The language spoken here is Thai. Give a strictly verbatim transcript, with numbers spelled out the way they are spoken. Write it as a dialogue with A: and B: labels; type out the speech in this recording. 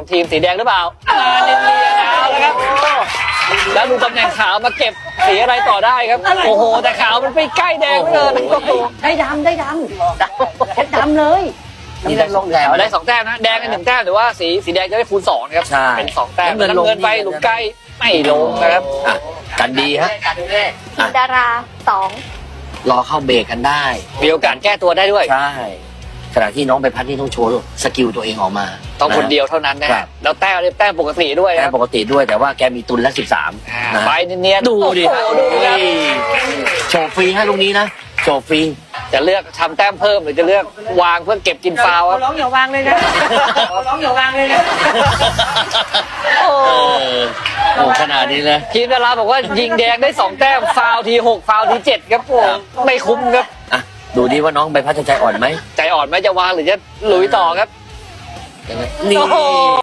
A: ของทีมสีแดงหรือเปล่ามาเนียนๆเอาแล้วครับแล้วดูตำแหน่งขาวมาเก็บสีอะไรต่อได้ครับโอ้โหแต่ขาวมันไปใกล้แดงเหลย
B: ได้ดำได้ดำเพชรดำเลย
C: นี่ได้ลงแต้ม
A: เอาได้สองแต้มนะแดงกันหนึ่งแต้มหรือว่าสีสีแดงจะได้คูณสองนะครับ
C: ใช่
A: เป็นสองแต้ม
C: น้ำเงินลง
A: น้ำเงินไปหลุมไกลไม่ลงนะครับ
C: อ่ะกันดีฮะ
B: ทีมดาราสอง
C: รอเข้าเบรกกันได้
A: มีโอกาสแก้ตัวได้ด้วย
C: ใช่ขณะที่น้องใบพัดนี่ต้องโชว์สกิลตัวเองออกมา
A: ต้องคนเดียวเท่านั้นนะ
C: ครั
A: ฮะ
C: บ
A: แล้วแต้มเนี่ยแต้มปกติด้วย
C: แก
A: นะครับ
C: ปกติด้วยแต่ว่าแกมีตุนละสิบสาม
A: อ่า
C: นะ
A: ไปเนียนๆ
C: ดูดิ
A: โอ้โหดูครับ
C: โชว์ฟรีให้ลูกนี้นะโชว์ฟรี
A: จะเลือกทำแต้มเพิ่มหรือจะเลือกวางเพื่อเก็บกินฟาวล์ครับ
B: ร้องอย่าวางเลยนะร้องอย่าวางเลยนะ
A: โอ้
C: เออโอ้ขนาดนี้เลย
A: ทีมดาราบอกว่ายิงแดงได้สองแต้มฟาวล์ทีหกฟาวล์ทีเจ็ดครับผมไม่คุ้มครับ
C: อ่ะดูดิว่าน้องใบพัดจะใจอ่อนไหม
A: ใจอ่อนไหมจะวางหรือจะลุยต่อครับ
C: นี่
A: โอ้โห